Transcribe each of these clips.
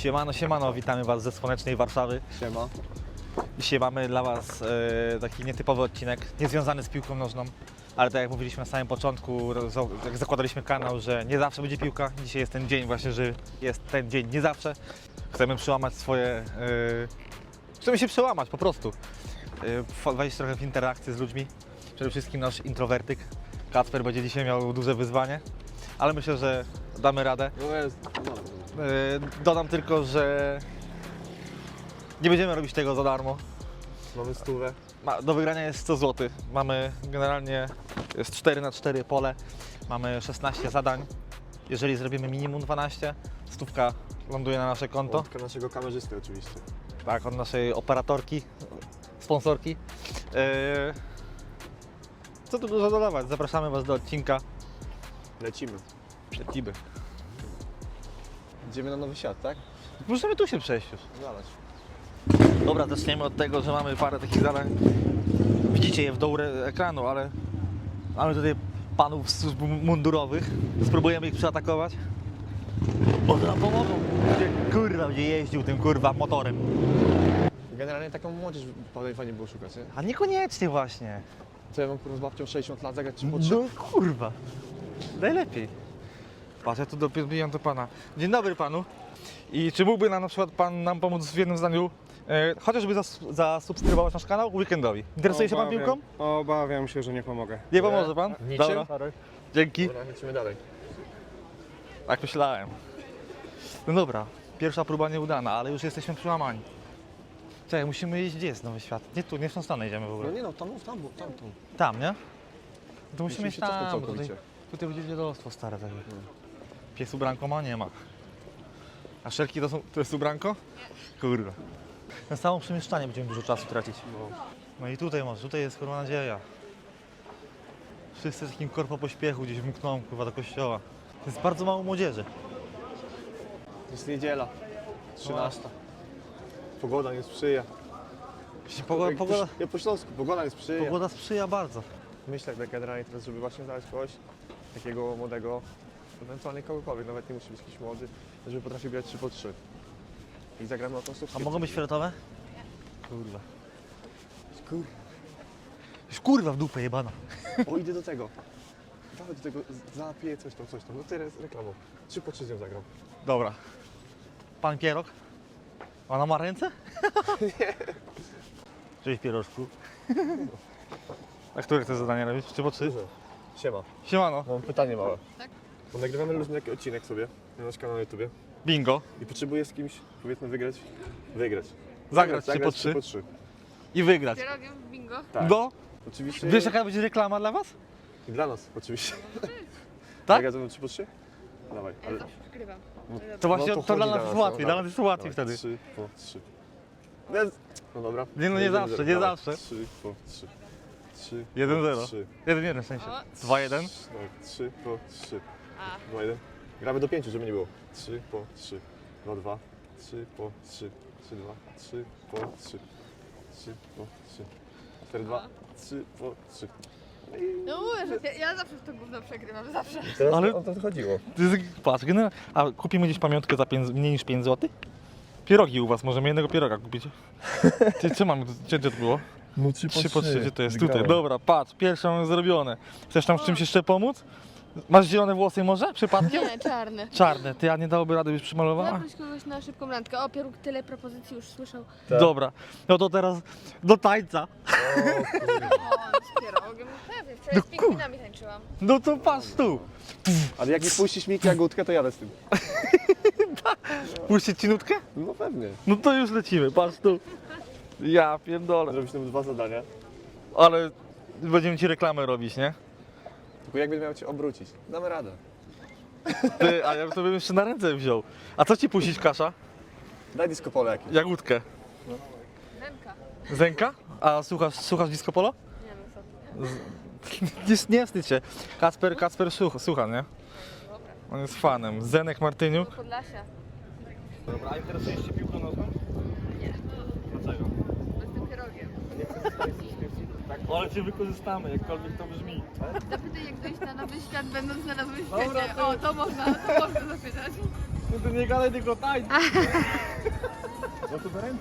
Siemano, siemano, witamy Was ze słonecznej Warszawy. Siema. Dzisiaj mamy dla Was taki nietypowy odcinek, niezwiązany z piłką nożną, ale tak jak mówiliśmy na samym początku, jak zakładaliśmy kanał, że nie zawsze będzie piłka. Dzisiaj jest ten dzień właśnie, że jest ten dzień nie zawsze. Chcemy przełamać swoje... Chcemy się przełamać po prostu. Wejść trochę w interakcję z ludźmi. Przede wszystkim nasz introwertyk Kacper będzie dzisiaj miał duże wyzwanie, ale myślę, że damy radę. No jest. Dodam tylko, że nie będziemy robić tego za darmo. Mamy stówę. Do wygrania jest 100 zł. Mamy generalnie jest 4×4 pole. Mamy 16 zadań. Jeżeli zrobimy minimum 12, stówka ląduje na nasze konto. Łądka naszego kamerzysty oczywiście. Tak, od naszej operatorki, sponsorki. Co tu dużo dodawać? Zapraszamy Was do odcinka. Lecimy. Lecimy. Idziemy na nowy świat, tak? Możemy tu się przejść już. Zalać. Dobra, zaczniemy od tego, że mamy parę takich zadań. Widzicie je w dół ekranu, ale mamy tutaj panów z służb mundurowych. Spróbujemy ich przeatakować. Może nam pomogą. Kurwa, będzie jeździł tym kurwa motorem. Generalnie taką młodzież fajnie było szukać, nie? A niekoniecznie właśnie. Co ja mam kurwa z babcią 60 lat zagrać 3x3? No kurwa. Najlepiej. Patrz, ja tu dobijam do pana. Dzień dobry panu. I czy mógłby nam na przykład pan nam pomóc w jednym zdaniu? Chociażby zasubskrybować nasz kanał weekendowi. Interesuje się pan piłką? Obawiam się, że nie pomogę. Nie pomoże pan? Niczym? Dobra. Dzięki. Dobra, lecimy dalej. Tak myślałem. No dobra, pierwsza próba nieudana, ale już jesteśmy przełamani. Czekaj, musimy iść, gdzie jest Nowy Świat? Nie tu, nie w tą stronę idziemy w No ogóle. nie no, tam. Tam, nie? To musimy iść się cofnąć tam, całkowicie. tutaj będzie dziadostwo stare takie. Pies ubranko ma? Nie ma. A szelki to jest ubranko? Nie. Kurwa. Na samo przemieszczanie będziemy dużo czasu tracić. No i tutaj może, tutaj jest kurwa nadzieja. Wszyscy w takim korpo pośpiechu gdzieś mkną kurwa do kościoła. Jest bardzo mało młodzieży. Jest niedziela. 13. Pogoda nie sprzyja. Pogoda, Ja po śląsku, pogoda nie sprzyja. pogoda sprzyja bardzo. Myślę tak generalnie teraz, żeby właśnie znaleźć kogoś takiego młodego, ewentualnie kogokolwiek, nawet nie musi być jakiś młody, żeby potrafił grać 3x3. I zagramy o tą A subskrypcję. mogą być fioletowe? Kurwa. Kur... Już kurwa w dupę jebana. O, idę do tego. Dawaj do tego, zapiję coś tam. No teraz reklamą. 3x3 z nią zagram. Dobra. Pan Pierog? Ona ma ręce? Nie. Cześć Pierożku. A które chcesz zadanie robić? 3x3? Dobrze. Siema. Siemano. Mam pytanie małe. Tak? Bo nagrywamy luźny taki odcinek sobie na nasz kanał na YouTubie Bingo. i potrzebuję z kimś, powiedzmy, wygrać. Zagrać 3x3. 3x3. I wygrać. Pierogiem w bingo. Tak. No. Oczywiście. Wiesz jaka będzie reklama dla was? I dla nas, oczywiście. Tak? Zagrać ze mną 3x3? Dawaj. Ja Ale... zawsze przegrywam. To właśnie No to dla chodzi nas jest łatwiej, no, dla nas jest łatwiej dawaj, wtedy. 3x3. No dobra. Nie, no nie zawsze, nie zawsze. 3x3. 3 1-0. 3. 1-1 w sensie. O. 2-1. 3x3. A, 2-1. Gramy do 5, żeby nie było. 3x3. 2-2. 3x3. 3-2. 3x3. 3x3. 4-2. 3x3. no mówię, że ja zawsze w to gówno przegrywam, zawsze. Teraz Ale- o to chodziło. Patrz, a kupimy gdzieś pamiątkę za mniej niż 5 zł? Pierogi u was, możemy jednego pieroga kupić. Ty, co mamy, gdzie to było? No 3x3, gdzie to jest? Tutaj, dobra, patrz, pierwsze mamy zrobione. Chcesz tam z czymś jeszcze pomóc? Masz zielone włosy może, przypadkiem? Nie, czarny. Czarne, ty, a nie dałoby rady, byś przymalowała? Zaproś kogoś na szybką randkę. O, Pieróg tyle propozycji już słyszał. Tak. Dobra, no to teraz do tańca. O, z pierogiem. Pewnie, wczoraj z pingwinami tańczyłam. No to patrz tu. Ale jak mi puścisz Miki Jagódkę, to jadę z tym. Puścić ci nutkę? No pewnie. No to już lecimy, patrz tu. Ja pierdolę. Zrobić nam 2 zadania. Ale będziemy ci reklamę robić, nie? Tylko jak będę miał cię obrócić? Damy radę. Ty, a ja to bym jeszcze na ręce wziął. A co ci puścić, Kasza? Daj disco polo jakieś. Jagódkę. Nemka. Zenka? A słuchasz disco polo? Nie wiem co. Nie wstydź się. Kacper słucha, nie? Dobra. On jest fanem. Zenek Martyniuk. Do Podlasia. Dobra, a interesujesz się piłką nożną? Nie. Dlaczego? Bo jestem pierogiem. Ale cię wykorzystamy, jakkolwiek to brzmi. Zapytaj jak dojść na nowy świat, będąc na nowym Dobra, świecie. to- O, to można zapytać. No to nie gadaj, tylko tańcz. No to do ręce.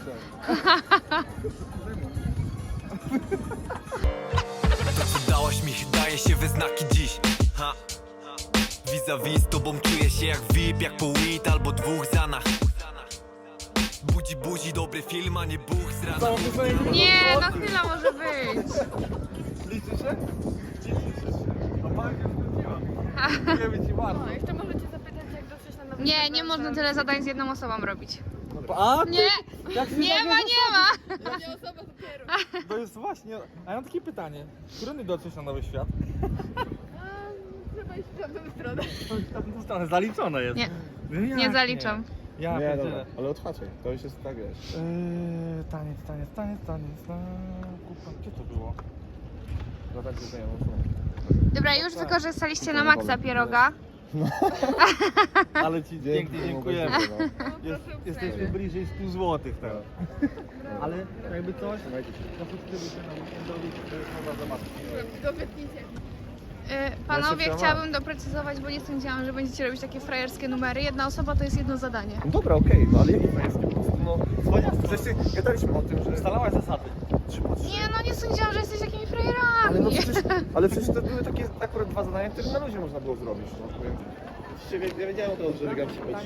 To co dałaś mi daje się we znaki dziś. Ha. Vis-a-vis z tobą czuję się jak VIP, jak po weed albo dwóch zanach. Budzi buzi, dobry film, a nie buch z rana. Nie, no chwila może być. Liczy się? No bardzo spędziłam. Dziękujemy ci bardzo. No, jeszcze możecie zapytać, jak dotrzeć na nowy Nie, nie można tyle zadań z jedną osobą robić. A, Nie, jak się nie ma, nie ma. Nie osoba dopiero. To jest właśnie. A ja mam takie pytanie. Którędy dotrzeć na nowy świat? Chyba iść w tamtą stronę. W tą stronę zaliczone jest. Nie, No jak nie zaliczam. Ja Nie, pierdzielę. dobra, ale otwarcie. To już jest tak, wiesz. Taniec. Kupa, gdzie to było? No tak, że Dobra, już wykorzystaliście na maksa pieroga. Ale ci pięknie dziękujemy. Jesteśmy bliżej 100 zł teraz. Ale jakby coś, to subskrybujcie na weekendowi, to jest można zobaczyć. Dobytnicie. Panowie, Ja się chciałabym doprecyzować, bo nie sądziłam, że będziecie robić takie frajerskie numery. Jedna osoba to jest jedno zadanie. No dobra, okej, no ale jakie to jest? Po prostu, no... Zresztą gadaliśmy o tym, że... Ustalałaś zasady. Nie, no nie sądziłam, że jesteś takimi Ale no frajerami. ale przecież to były takie akurat dwa zadania, które na luzie można było zrobić, no powiem. Oczywiście ja wiedziałem o tym, że wygram się chodzi.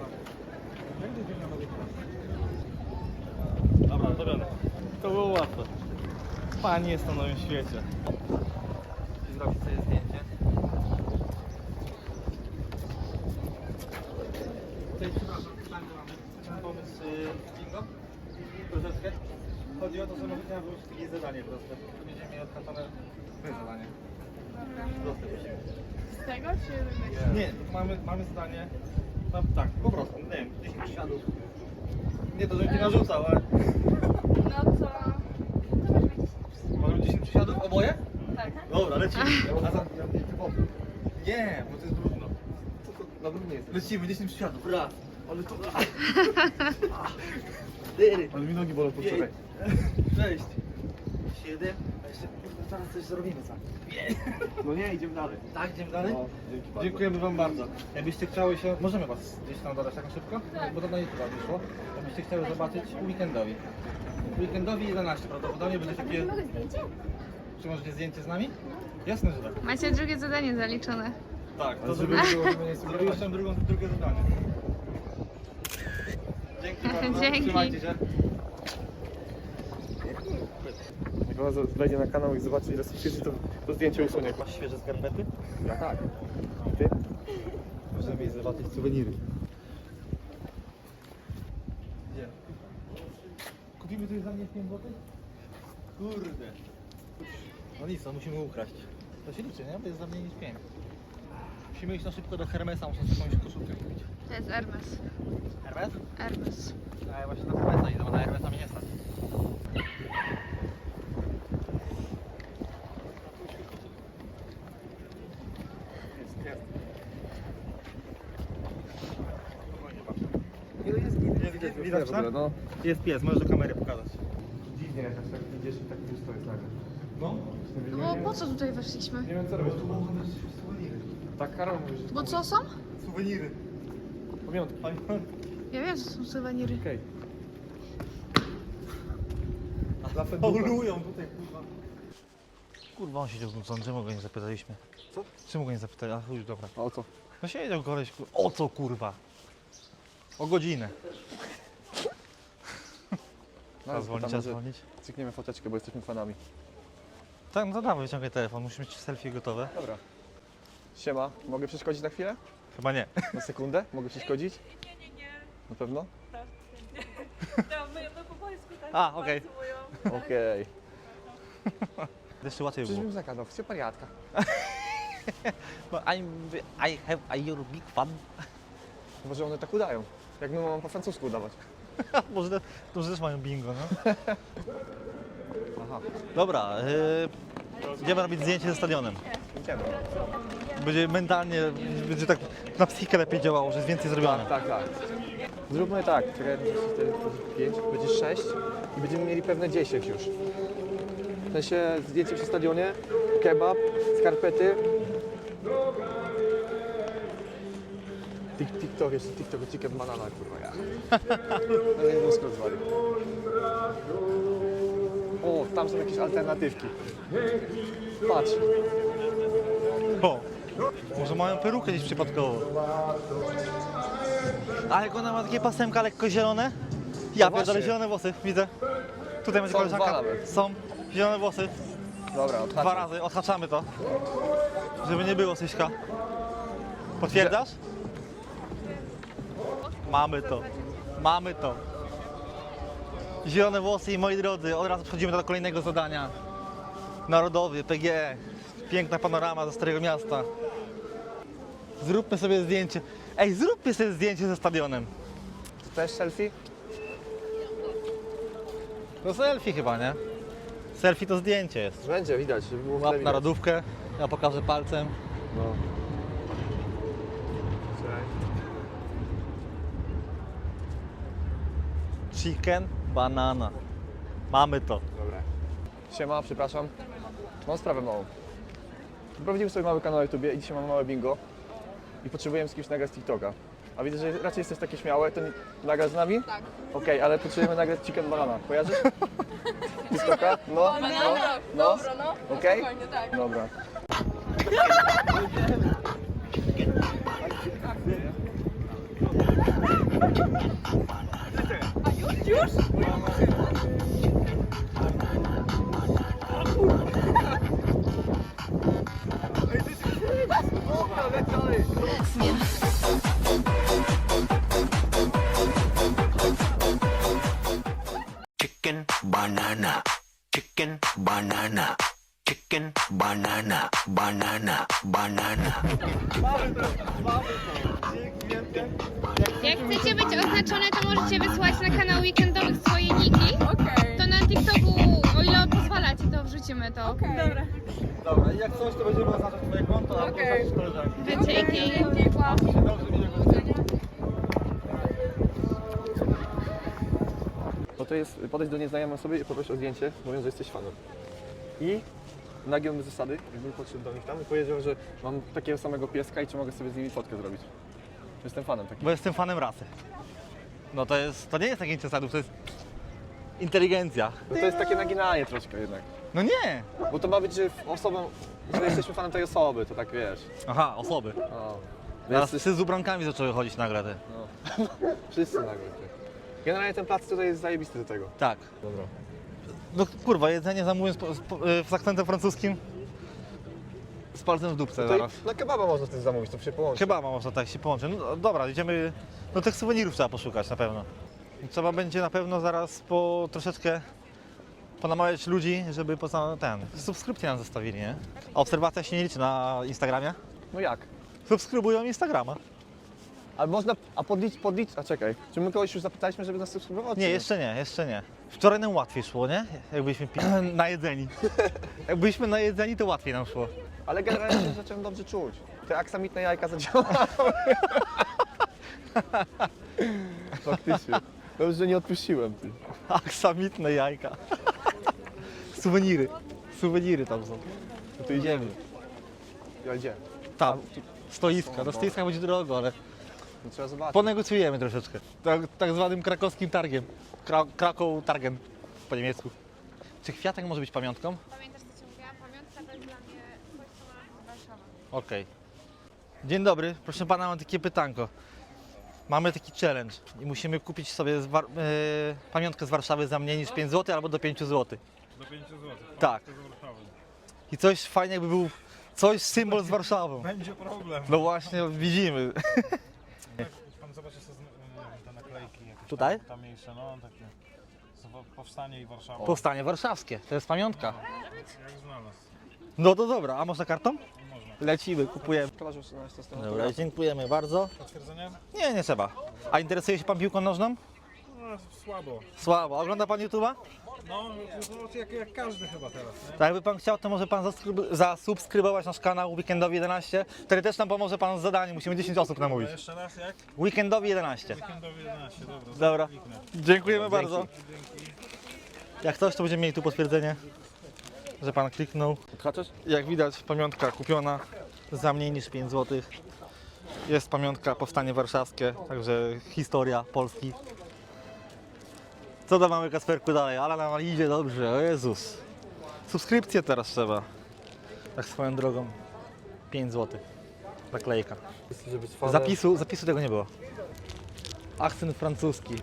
Dobra, to biorę. To było łatwe. Pani jest na nowym świecie. Zrobić sobie zdjęcie. Cześć, przepraszam, pytanie mamy. Chcemy pomysł bingo? Troszeczkę. Chodzi o to, że możecie nam wrócić takie zadanie proste. Będziemy mieli odhaczone zadanie. Proste prosimy. Z tego czy Nie, mamy zdanie. No, tak, po prostu, nie wiem, 10 przysiadów. Nie to, żebym cię narzucał, ale... No co? Może 10 przysiadów oboje? Tak. Dobra, lecimy. A za... Typowy. Nie, bo to jest brudno. Na drugim jest. Lecimy, 10 przysiadów, raz. Ale to... 4, Ale mi nogi bolą po wczoraj. 6, 7, a jeszcze zaraz coś zrobimy, co? No nie, idziemy dalej. Tak, idziemy dalej? No, dzięki bardzo. Dziękujemy wam bardzo. Jakbyście chciały się... Możemy was gdzieś tam dodać tak na szybko? Bo to na YouTube wyszło. Jakbyście chciały zobaczyć weekendowi. Weekendowi 11 prawdopodobnie będzie takie... Czy możecie zdjęcie z nami? Jasne, że tak. Macie drugie zadanie zaliczone. Tak, to Ale żeby zrobimy. było, żeby nie Zrobię jeszcze drugie zadanie. Dzięki bardzo. Dzięki. Trzymajcie się. Jak ona wejdzie na kanał i zobaczy ile subskrypcji, to zdjęcie usunie. Masz świeże skarpety? Ja tak. I ty? Możemy iść zobaczyć suweniry. Gdzie? Kupimy coś za mnie 5 zł? Kurde. No nic, no musimy ukraść. To się liczy, nie? Bo jest za mniej niż 5. Musimy iść na szybko do Hermesa, muszę sobie jakąś koszulkę kupić. To jest Hermes. Hermes? Hermes. A ja właśnie na Hermesa idę, bo na Hermesa mnie nie stać. Widać, tak? No. Jest pies, możesz do kamery pokazać. Dziwnie jakaś, tak idziesz i tak wiesz co jest nagle. No. No bo po co tutaj weszliśmy? Nie wiem co robisz. Tak, Karol mówi, że... Bo co są? Suweniry. Pamiątki. Ja wiem, co są suweniry. Okej. Paulują tutaj, kurwa. Kurwa, on siedział znudzony, czemu go nie zapytaliśmy? Co? Czemu go nie zapytali? A chuj, dobra. A o co? No siedział koleś, kurwa. O co, kurwa? O godzinę. Trzeba dzwonić, trzeba dzwonić. Cykniemy foteczkę, bo jesteśmy fanami. Tak, no to dawaj, wyciągaj telefon, musimy mieć selfie gotowe. Dobra. Siema, mogę przeszkodzić na chwilę? Chyba nie. Na sekundę? Mogę przeszkodzić? Nie. Na pewno? My po polsku tak A, okej. mówią. Okej. Jeszcze łatwiej Przecież było. bym zagadał, chcę pariatka. Bo I have a your big fan. Może one tak udają. Jak my mamy po francusku udawać. Może to też mają bingo, no. Aha. Dobra, idziemy robić zdjęcie ze stadionem. Idziemy. Będzie mentalnie, będzie tak na psychikę lepiej działało, że jest więcej zrobione. Tak, tak. Zróbmy tak, czekaj, 5, będzie 6 i będziemy mieli pewne 10 już. W sensie zdjęcie przy stadionie, kebab, skarpety. Tik, tik, TikTok, jeszcze TikTok, chicken banana, kurwa, ja. No nie mózg rozwalił. O, tam są jakieś alternatywki. Patrz. O, może mają perukę gdzieś przypadkowo. A jak ona ma takie pasemka lekko zielone? Ja No pierdolę, właśnie. zielone włosy, widzę. Tutaj będzie Są koleżanka. dwa nawet. Są zielone włosy. Dobra, 2 razy, odhaczamy to. Żeby nie było Syśka. Potwierdzasz? Mamy to. Mamy to. Zielone włosy i moi drodzy, od razu przechodzimy do kolejnego zadania. Narodowy, PGE. Piękna panorama ze Starego Miasta. Zróbmy sobie zdjęcie. Ej, zróbmy sobie zdjęcie ze stadionem. Też selfie? To selfie chyba, nie? Selfie to zdjęcie jest. Będzie, widać, żeby było w tle Łap widać. narodówkę, ja pokażę palcem. No. Czekaj. Chicken, banana. Mamy to. Dobra. Siema, przepraszam. Mam sprawę małą. Prowadzimy sobie mały kanał na YouTubie i dzisiaj mamy małe bingo. I potrzebujemy z kimś nagrać z TikToka. A widzę, że raczej jesteś takie śmiałe, to nagrasz z nami? Tak. Okej, ale potrzebujemy nagrać chicken banana. Kojarzysz? TikToka? No, no. Dobra, no. Okej? Spokojnie, tak. Dobra. Chicken banana, chicken banana, chicken banana, banana, banana. Jak chcecie być oznaczone, to możecie wysłać na kanał weekendowych swoje niki. To na TikToku, o ile pozwalacie, to wrzucimy to. Dobra. Dobra, i jak coś, to będziemy oznaczać twoje konto, albo oznaczyć koleżanki. Dzięki. Dobrze, widzę. No to jest podejść do nieznajomej osoby i poprosić o zdjęcie, mówiąc, że jesteś fanem. I nagiąłby zasady, jakbym podszedł do nich tam i powiedział, że mam takiego samego pieska i czy mogę sobie z nimi fotkę zrobić. Jestem fanem takim. Bo jestem fanem rasy. No to nie jest takie zasadów, to jest inteligencja. No to jest takie naginanie troszkę jednak. No nie! Bo to ma być, że że jesteśmy fanem tej osoby, to tak wiesz. Aha, osoby. O. Teraz Więc psy z ubrankami zaczęły chodzić nagle te. wszyscy nagle. Generalnie ten plac tutaj jest zajebisty do tego. Tak. Dobra. No kurwa, jedzenie zamówię z akcentem francuskim. Z palcem w dupce Tutaj zaraz. na kebaba można też zamówić, to się połączy. Chyba można tak się połączyć. No dobra, idziemy. No tych suwenirów trzeba poszukać na pewno. Trzeba będzie na pewno zaraz troszeczkę ponamawiać ludzi, żeby subskrypcję nam zostawili, nie? A obserwacja się nie liczy na Instagramie? No jak? Subskrybują Instagrama. Ale można, a czekaj, czy my kogoś już zapytaliśmy, żeby nas subskrybował? Nie, jeszcze nie. Wczoraj nam łatwiej szło, nie? Jak byliśmy najedzeni. Jak byliśmy najedzeni, to łatwiej nam szło. Ale generalnie się zacząłem dobrze czuć. Te aksamitne jajka zadziałały. Faktycznie. Dobrze, że nie odpuściłem. Ty. Aksamitne jajka. Suweniry. Suweniry tam są. No to idziemy. Ja idziemy. Tam. Stoiska. Do stoiska będzie drogo, ale No trzeba zobaczyć. ponegocjujemy troszeczkę. Tak zwanym krakowskim targiem. Krakow targiem po niemiecku. Czy kwiatek może być pamiątką? Pamiętasz, co ci mówiłam? Pamiątka to jest dla mnie coś, co ma Warszawa. Okej. Dzień dobry, proszę pana, mam takie pytanko. Mamy taki challenge i musimy kupić sobie pamiątkę z Warszawy za mniej niż 5 zł albo do 5 zł. Do 5 zł. Tak. I coś fajnie jakby był, coś symbol z Warszawą. Będzie problem. No właśnie, widzimy. Pan zobaczy sobie te naklejki jakieś Tutaj? tam mniejsze, no takie. Powstanie i Warszawa. Powstanie warszawskie, to jest pamiątka. Jak znalazł? No to dobra, a można kartą? Można. Lecimy, kupujemy. Kamarzu, na tą stronę. Dobra, dziękujemy bardzo. Potwierdzenie? Nie trzeba. A interesuje się pan piłką nożną? No, słabo. Słabo. Ogląda pan YouTube'a? No, jak każdy chyba teraz, nie? Tak, jakby pan chciał, to może pan zasubskrybować nasz kanał Weekendowi 11. Wtedy też nam pomoże pan z zadaniem. Musimy 10 osób namówić. Jeszcze raz jak? Weekendowi 11. Weekendowi 11, dobra. Dobra. Kliknę. Dziękujemy bardzo. Jak coś, to będziemy mieli tu potwierdzenie, że pan kliknął. Odhaczasz? Jak widać, pamiątka kupiona za mniej niż 5 zł. Jest pamiątka Powstanie Warszawskie, także historia Polski. Co tam mamy, Kasperku, dalej? Ale nam idzie dobrze, o Jezus. Subskrypcję teraz trzeba. Tak swoją drogą. 5 zł. Naklejka. Zapisu tego nie było. Akcent francuski.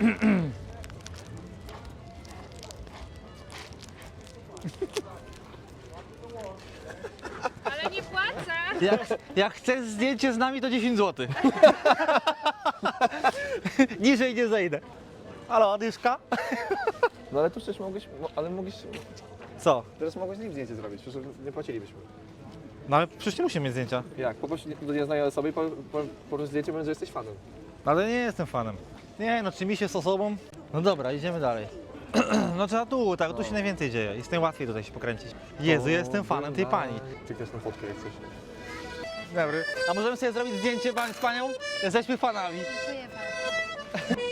Ale nie płacę. Jak chcesz zdjęcie z nami, to 10 zł. Niżej nie zejdę. Halo, Adyszka? No ale tu przecież mogłeś, Co? teraz mogłeś z nim zdjęcie zrobić, przecież nie płacilibyśmy. No ale przecież nie musimy mieć zdjęcia. Jak? Poproś do nieznanej osoby i poproś zdjęcie, mówiąc, że jesteś fanem. Ale nie jestem fanem. Nie, no czy mi się z osobą? No dobra, idziemy dalej. No trzeba tu, tak, tu się najwięcej dzieje. Jest najłatwiej tutaj się pokręcić. Jezu, jestem fanem tej pani. Klikniesz na fotkę jak coś. Dobry. A możemy sobie zrobić zdjęcie z panią? Jesteśmy fanami. Dziękuję bardzo.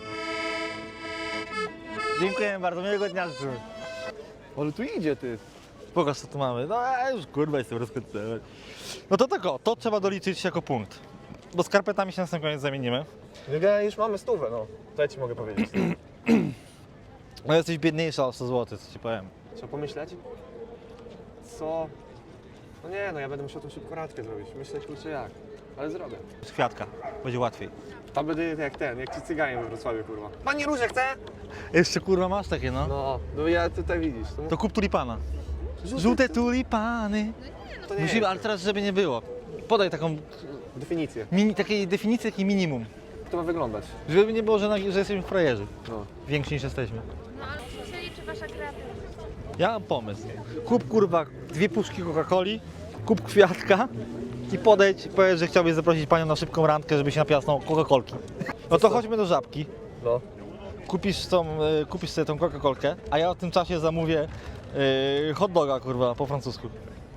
Dziękuję bardzo, miłego dnia życzę. Ale tu idzie ty. Pokaż co tu mamy. No ja już kurwa jestem rozkończony. No to tak o, to trzeba doliczyć jako punkt. Bo skarpetami się na sam koniec zamienimy. My już mamy 100, no. To ja ci mogę powiedzieć. No jesteś biedniejsza o 100 zł, co ci powiem. Trzeba pomyśleć. Co? No nie, no ja będę musiał tą szybko radkę zrobić. Myślę, kurczę jak. Ale zrobię. Z kwiatka, będzie łatwiej. Tam będę jak ci cyganie we Wrocławiu, kurwa. Pani Róże chce? Jeszcze kurwa masz takie, no. No ja tutaj widzisz. To kup tulipana. Żółte tulipany. to nie Musimy, jest. ale teraz żeby nie było. Podaj taką Definicję. takiej definicji, jaki minimum. To ma wyglądać. Żeby nie było, że jesteśmy frajerzy. No. Więksi niż jesteśmy. No ale tu się liczy wasza kreatywność. Ja mam pomysł. Kup kurwa 2 puszki Coca-Coli, kup kwiatka i podejdź i powiedz, że chciałbyś zaprosić panią na szybką randkę, żeby się napiła z tą Coca-Colki. No to chodźmy do Żabki. No. Kupisz sobie tą Coca-Colkę, a ja w tym czasie zamówię hot doga kurwa po francusku.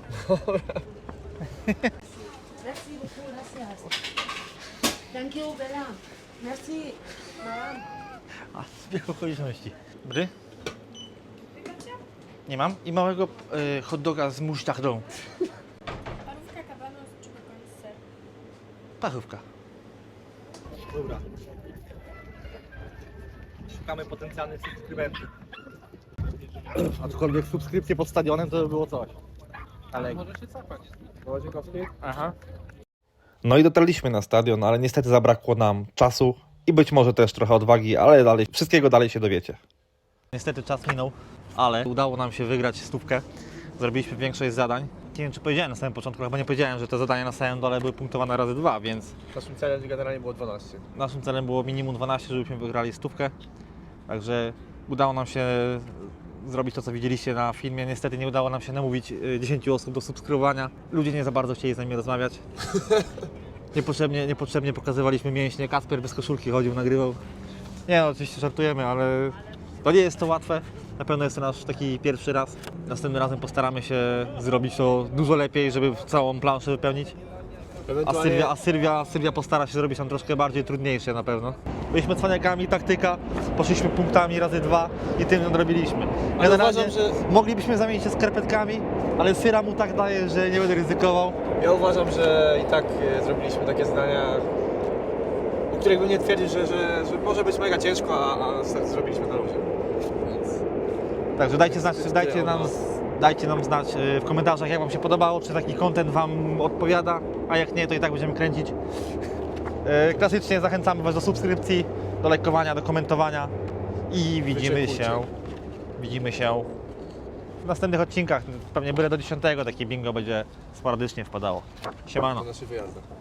Merci beaucoup, gracias. Thank you, Bella. Merci, madame. A, zbieg okoliczności. Dobry? Nie mam. I małego hot doga z musztardą. Parówka kabanos czy kokoń ser? Parówka. Dobra. Szukamy potencjalnych subskrybentów. Aczkolwiek subskrypcje pod stadionem to by było coś. Ale... Możecie cofać. Aha. No i dotarliśmy na stadion, ale niestety zabrakło nam czasu i być może też trochę odwagi, ale dalej, wszystkiego dalej się dowiecie. Niestety czas minął, ale udało nam się wygrać 100. Zrobiliśmy większość zadań. Nie wiem, czy powiedziałem na samym początku, chyba nie powiedziałem, że te zadania na samym dole były punktowane razy 2, więc Naszym celem generalnie było 12. naszym celem było minimum 12, żebyśmy wygrali 100. Także udało nam się zrobić to, co widzieliście na filmie. Niestety nie udało nam się namówić 10 osób do subskrybowania. Ludzie nie za bardzo chcieli z nami rozmawiać. Niepotrzebnie pokazywaliśmy mięśnie. Kasper bez koszulki chodził, nagrywał. Nie no, oczywiście żartujemy, ale to nie jest to łatwe. Na pewno jest to nasz taki pierwszy raz. Następnym razem postaramy się zrobić to dużo lepiej, żeby całą planszę wypełnić. A Sylwia postara się zrobić tam troszkę bardziej trudniejsze na pewno. Byliśmy cwaniakami, taktyka, poszliśmy punktami razy 2 i tym nadrobiliśmy. Generalnie moglibyśmy zamienić się skarpetkami, ale Syra mu tak daje, że nie będę ryzykował. Ja uważam, że i tak zrobiliśmy takie zadania, o których bym nie twierdził, że może być mega ciężko, a zrobiliśmy na luzie. Więc Także dajcie nam znać w komentarzach, jak Wam się podobało, czy taki content Wam odpowiada, a jak nie, to i tak będziemy kręcić. Klasycznie zachęcamy Was do subskrypcji, do lajkowania, do komentowania i widzimy się w następnych odcinkach. Pewnie byle do 10 takie bingo będzie sporadycznie wpadało. Siemano. na naszych wyjazdach.